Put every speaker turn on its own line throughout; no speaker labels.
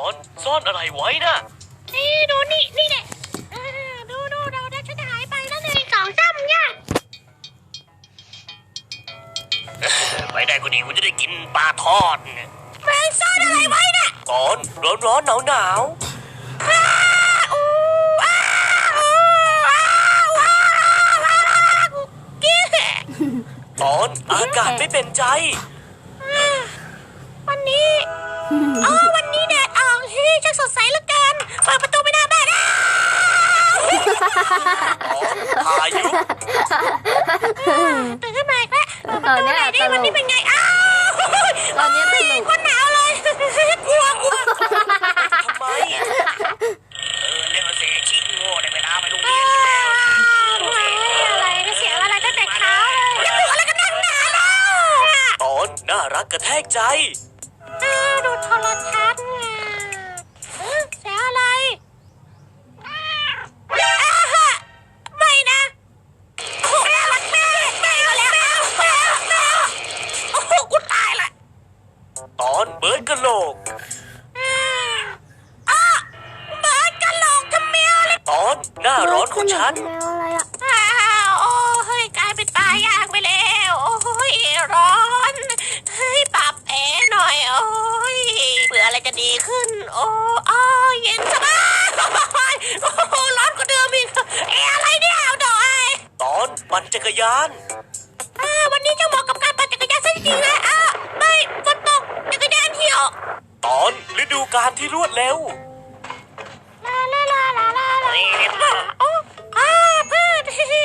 อนซ่อนอะไรไว้นะ
นี่ดูนี่แหละดูเราได้ฉันหายไปแล้วเลย2 3เนี่ย
ไปได้ก็ดีกูจะได้กินปลาทอดเนี่ย
แม่ซ่อนอะไรไว้น่ะ
ก่อนร้อนหนาวก่อนอากาศไม่เป็นใจ
วันนี้วันนี้แดดออกช่างสดใสเหลือเกินเปิดประตูไม่ได้บ้าน
พายุ
ตื่นขึ้นมาอีกแล้วเปิดประตูไหนดิวันนี้เป็นไง
ตอนนี้ตลก
คนหนาวเลยกลัว
ทำไมเล่นมาเสียชิงโง่ได้เวลาไปโรงเรียน
อะไรก็เสียอะไรตั้งแต่เช้าเลยจะตัวอะไรกันนักหนาแล้ว
ตอนน่ารักกระแทกใจ
ดูโทรทัศน์ไงเสียอะไรไม่นะโอ้น่ารักแม่ก็แล้วโอ้โหกูตายละ
ตอนเบิร์ดกะโหลก
เบิร์ดกะโหลกทำแมวเลย
ตอนหน้าร้อนของฉัน
แมวอะไรอ่ะ
โอ้เฮ้ยกลายเป็นตายยากไปแล้วโอ้ยร้อนเฮ้ยปรับแอร์หน่อยโอ้ยเผื่ออะไรจะดีขึ้นโอ้เย็นสบายโอ้โหร้อนกว่าเดิมอีกอะไรเนี่ยเอาดอย
ตอนปั่นจักรยาน
วันนี้จะเหมาะกับการปั่นจักรยานซะจริงๆเลยไม่ฝนตกจักรยานเหี่ยว
ตอนฤดูกาลที่รวดเร็ว
โอ้พืช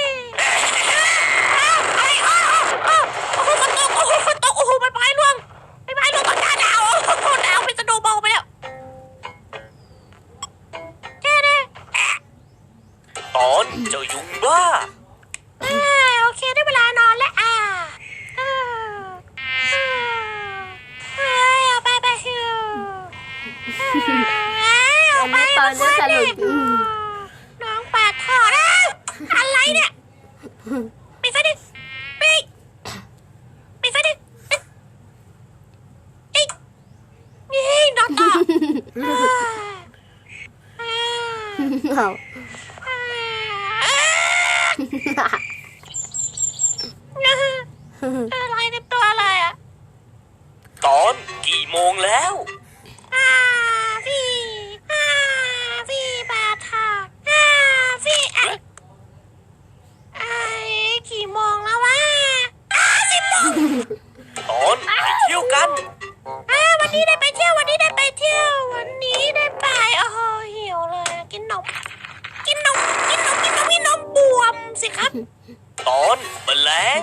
ฝนตกโอ้โหมันไม้ร่วงตอนหน้าหนาวหนาวเป็นสโนว์บอลไปแล้วแค่นี้
ตอนเจ้ายุงบ้า
โอเคได้เวลานอนแล้วเอาไป
อันนี้ตอนนี้ตลก
น้องปาดทอดอะไรเนี่ยปิดไฟดิปิดไฟดินี่นอนต่ออะไรเนี่ยตัวอะไรอ่ะ
ตอนกี่โมงแล้ว
พี่ปาทอดพี่กี่โมงแล้ววะ10 โมง
ตอนไปเที่ยวกัน
วันนี้ได้ไปเที่ยววันนี้ได้ไปโอ้โหหิวเลยกินนมบวมสิครับ
ตอนแมลง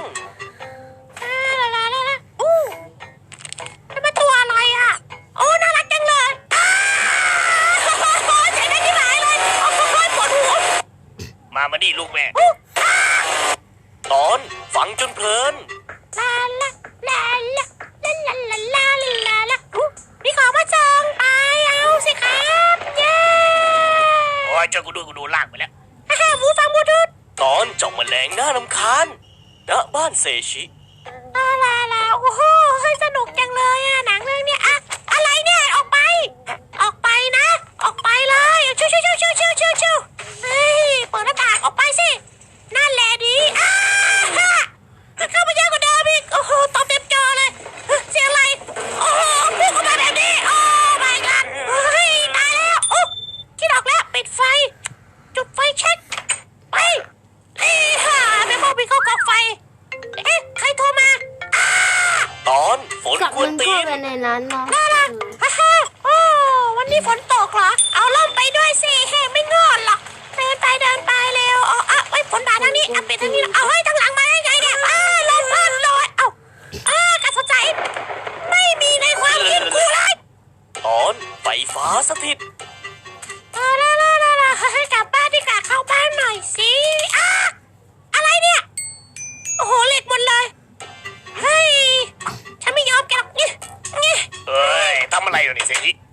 นี่มันตัวอะไรอ่ะโอ้น่ารักจังเลยเจ๋งได้ที่ไหนเลยโอ้โหปวดหัว
มานี่ลูกแม่ตอนฟังจนเพลิน
มีของมาส่งไปเอาสิครับเย้
โอ้ยเจ้ากูดูลากไปแล้ว
หูฟังบลูทูธ
ตอนเจ้าแมลงน่ารำคาญณบ้านเซชิ
โอ้โหสนุกจังเลยหนังเรื่องนี้อะไรเนี่ยออกไปนะออกไปเลยชิวเฮ้ยเปิดหน้าต่างออกไปสินั่นแหละดีเข้ามาเยอะกว่าเดิมอีกโอ้โหตบเต็มจอเลยเสียงอะไรโอ้โหพุ่งเข้ามาแบบนี้โอ้ my god เฮ้ยตายแล้วโอ้คิดออกแล้วปิดไฟจุดไฟเช็คไปแม่พ่อพี่เข้ากองไฟใครโทรมา
ตอนฝนกวนตีน
ในนั้นเนาะ
วันนี้ฝนตกเหรอเอาล่มไปด้วยสิไม่งอนหรอกเดินไปเร็วฝนบาดทางนี้ปิดทางนี้เอาให้ทางหลังมาได้ไงเนี่ยลมพัดลอยกระสนใจไม่มีในความคิดกูเลย
ตอนไฟฟ้าสถิต
ให้กลับบ้านดีกว่าเข้าบ้านหน่อยสิอะไรเนี่ยโอ้โหเหล็กหมดเลยเฮ้ยฉันไม่ยอมแกหรอก
เฮ้ยทำอะไรอยู่นี่เซนิ